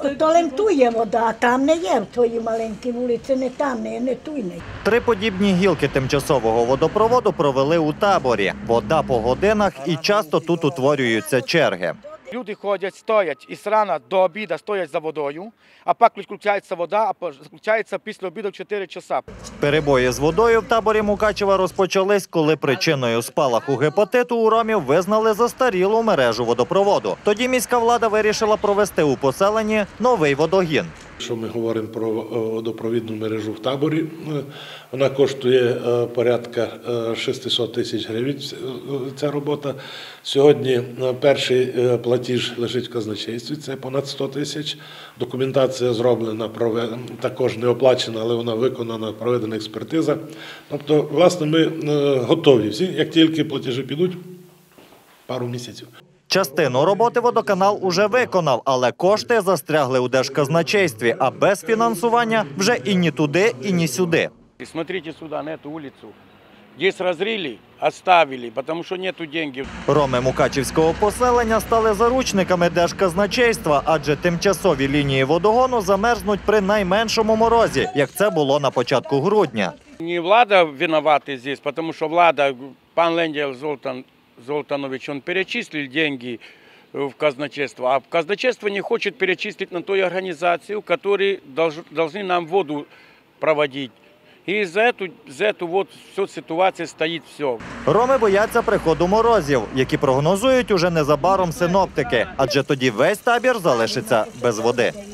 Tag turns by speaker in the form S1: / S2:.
S1: То лемтує вода, а там не є, в твоїй маленькій вулиці, не там, не туйне.
S2: 3 подібні гілки тимчасового водопроводу провели у таборі. Вода по годинах і часто тут утворюються черги.
S3: Люди ходять, стоять із рана до обіду стоять за водою, а пак включається вода, а включається після обіду в 4 часа.
S2: Перебої з водою в таборі Мукачева розпочались, коли причиною спалаху гепатиту у ромів визнали застарілу мережу водопроводу. Тоді міська влада вирішила провести у поселенні новий водогін.
S4: Якщо ми говоримо про водопровідну мережу в таборі, вона коштує порядка 600 тисяч гривень, ця робота. Сьогодні перший платіж лежить в казначействі, це понад 100 тисяч. Документація зроблена, також не оплачена, але вона виконана, проведена експертиза. Тобто, власне, ми готові всі, як тільки платежі підуть, пару місяців.
S2: Частину роботи водоканал уже виконав, але кошти застрягли у держказначействі, а без фінансування вже і ні туди, і ні сюди.
S3: Смотрите сюди, на цю вулицю. Здесь розрили, оставили, тому що нету денег.
S2: Роми Мукачівського поселення стали заручниками держказначейства, адже тимчасові лінії водогону замерзнуть при найменшому морозі, як це було на початку грудня.
S3: Не влада виновата здесь, тому що влада, пан Ленділ Золтанович, он перечислил деньги в казначейство, а казначейство не хочет перечислить на ту организацию, которые должны нам воду проводить. І за эту вот всю ситуацію стоїть все.
S2: Роми бояться приходу морозів, які прогнозують уже незабаром синоптики, адже тоді весь табір залишиться без води.